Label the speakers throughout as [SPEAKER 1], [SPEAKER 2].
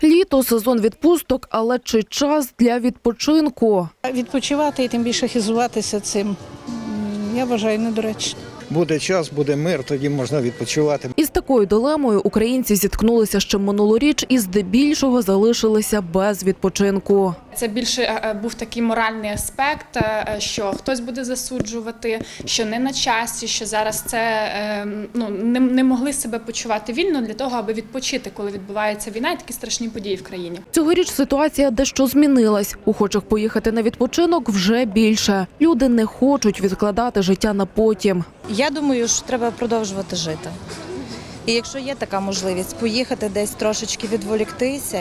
[SPEAKER 1] Літо – сезон відпусток, але чи час для відпочинку?
[SPEAKER 2] Відпочивати і тим більше хизуватися цим, я вважаю, недоречно.
[SPEAKER 3] Буде час, буде мир, тоді можна відпочивати.
[SPEAKER 1] Із такою дилемою українці зіткнулися ще минулоріч і здебільшого залишилися без відпочинку.
[SPEAKER 4] Це більше був такий моральний аспект, що хтось буде засуджувати, що не на часі, що зараз це не могли себе почувати вільно для того, аби відпочити, коли відбувається війна і такі страшні події в країні.
[SPEAKER 1] Цьогоріч ситуація дещо змінилась. Охочих поїхати на відпочинок вже більше. Люди не хочуть відкладати життя на потім.
[SPEAKER 5] Я думаю, що треба продовжувати жити. І якщо є така можливість поїхати десь трошечки відволіктися,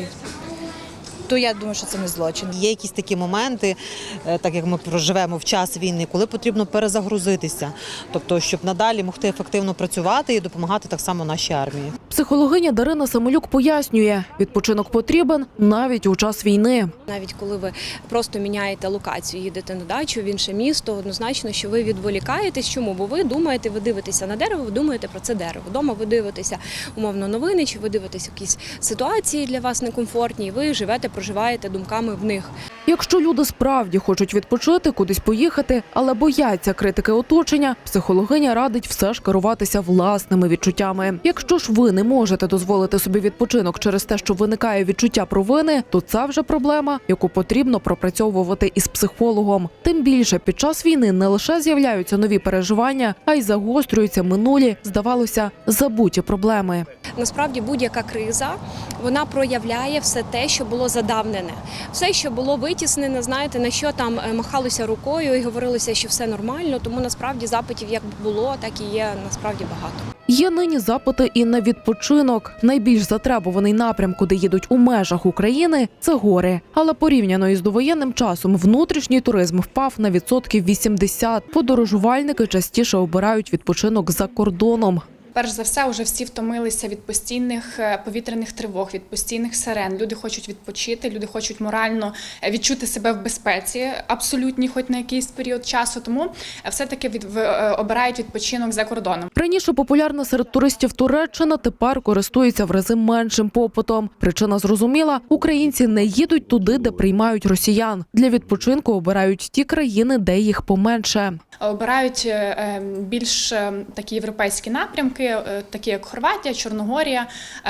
[SPEAKER 5] то я думаю, що це не злочин.
[SPEAKER 6] Є якісь такі моменти, так як ми проживемо в час війни, коли потрібно перезагрузитися, тобто щоб надалі могти ефективно працювати і допомагати так само нашій армії.
[SPEAKER 1] Психологиня Дарина Самолюк пояснює, відпочинок потрібен навіть у час війни.
[SPEAKER 7] Навіть коли ви просто міняєте локацію, їдете на дачу в інше місто, однозначно, що ви відволікаєтесь. Чому? Бо ви думаєте, ви дивитеся на дерево, ви думаєте про це дерево. Вдома ви дивитеся умовно новини, чи ви дивитеся якісь ситуації для вас некомфортні, і ви живете, проживаєте думками в них.
[SPEAKER 1] Якщо люди справді хочуть відпочити, кудись поїхати, але бояться критики оточення, психологиня радить все ж керуватися власними відчуттями. Якщо ж ви не можете дозволити собі відпочинок через те, що виникає відчуття провини, то це вже проблема, яку потрібно пропрацьовувати із психологом. Тим більше під час війни не лише з'являються нові переживання, а й загострюються минулі, здавалося, забуті проблеми.
[SPEAKER 7] Насправді будь-яка криза, вона проявляє все те, що було задавнене. Все, що було витіснене, знаєте, на що там махалося рукою і говорилося, що все нормально, тому насправді запитів як було, так і є насправді багато.
[SPEAKER 1] Є нині запити і на відпочинок. Найбільш затребуваний напрям, куди їдуть у межах України – це гори. Але порівняно із довоєнним часом внутрішній туризм впав на 80%. Подорожувальники частіше обирають відпочинок за кордоном.
[SPEAKER 4] Перш за все, вже всі втомилися від постійних повітряних тривог, від постійних сирен. Люди хочуть відпочити, люди хочуть морально відчути себе в безпеці, абсолютній, хоч на якийсь період часу. Тому все-таки обирають відпочинок за кордоном.
[SPEAKER 1] Раніше популярна серед туристів Туреччина тепер користується в рази меншим попитом. Причина зрозуміла – українці не їдуть туди, де приймають росіян. Для відпочинку обирають ті країни, де їх поменше.
[SPEAKER 4] Обирають більш такі європейські напрямки, такі як Хорватія, Чорногорія,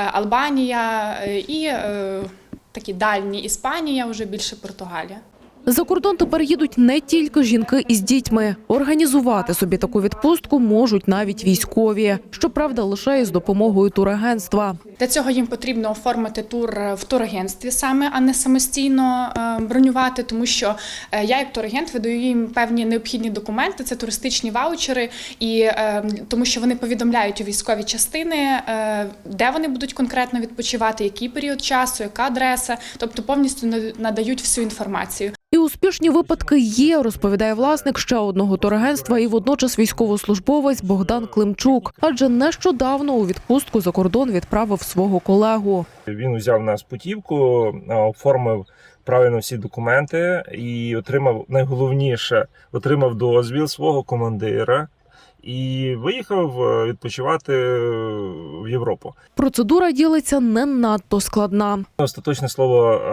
[SPEAKER 4] Албанія і такі дальні Іспанія, вже більше Португалія.
[SPEAKER 1] За кордон тепер їдуть не тільки жінки із дітьми. Організувати собі таку відпустку можуть навіть військові. Щоправда, лише із допомогою турагентства.
[SPEAKER 4] Для цього їм потрібно оформити тур в турагентстві саме, а не самостійно бронювати, тому що я як турагент видаю їм певні необхідні документи, це туристичні ваучери, і тому що вони повідомляють у військові частини, де вони будуть конкретно відпочивати, який період часу, яка адреса, тобто повністю надають всю інформацію.
[SPEAKER 1] І успішні випадки є, розповідає власник ще одного турагентства і водночас військовослужбовець Богдан Климчук. Адже нещодавно у відпустку за кордон відправив свого колегу.
[SPEAKER 8] Він взяв нас путівку, оформив правильно всі документи і найголовніше, отримав дозвіл свого командира. І виїхав відпочивати в Європу.
[SPEAKER 1] Процедура, ділиться, не надто складна.
[SPEAKER 8] Остаточне слово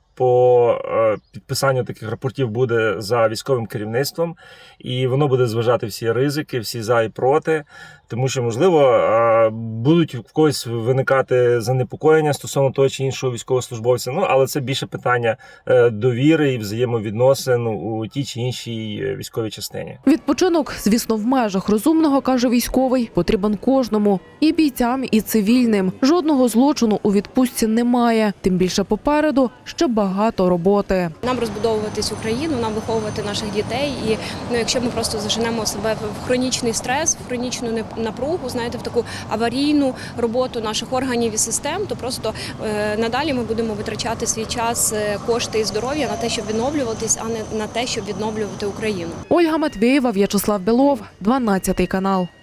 [SPEAKER 8] по підписанню таких рапортів буде за військовим керівництвом, і воно буде зважати всі ризики, всі за і проти, тому що, можливо, будуть в когось виникати занепокоєння стосовно того чи іншого військовослужбовця, але це більше питання довіри і взаємовідносин у тій чи іншій військовій частині.
[SPEAKER 1] Відпочинок, звісно, в межах розумного, каже військовий, потрібен кожному – і бійцям, і цивільним. Жодного злочину у відпустці немає, тим більше попереду ще багато роботи.
[SPEAKER 7] Нам розбудовуватись Україну, нам виховувати наших дітей. І якщо ми просто заженемо себе в хронічний стрес, в хронічну напругу, знаєте, в таку аварійну роботу наших органів і систем, то просто надалі ми будемо витрачати свій час, кошти і здоров'я на те, щоб відновлюватись, а не на те, щоб відновлювати Україну.
[SPEAKER 1] Ольга Матвєєва, В'ячеслав Білов, 12 канал.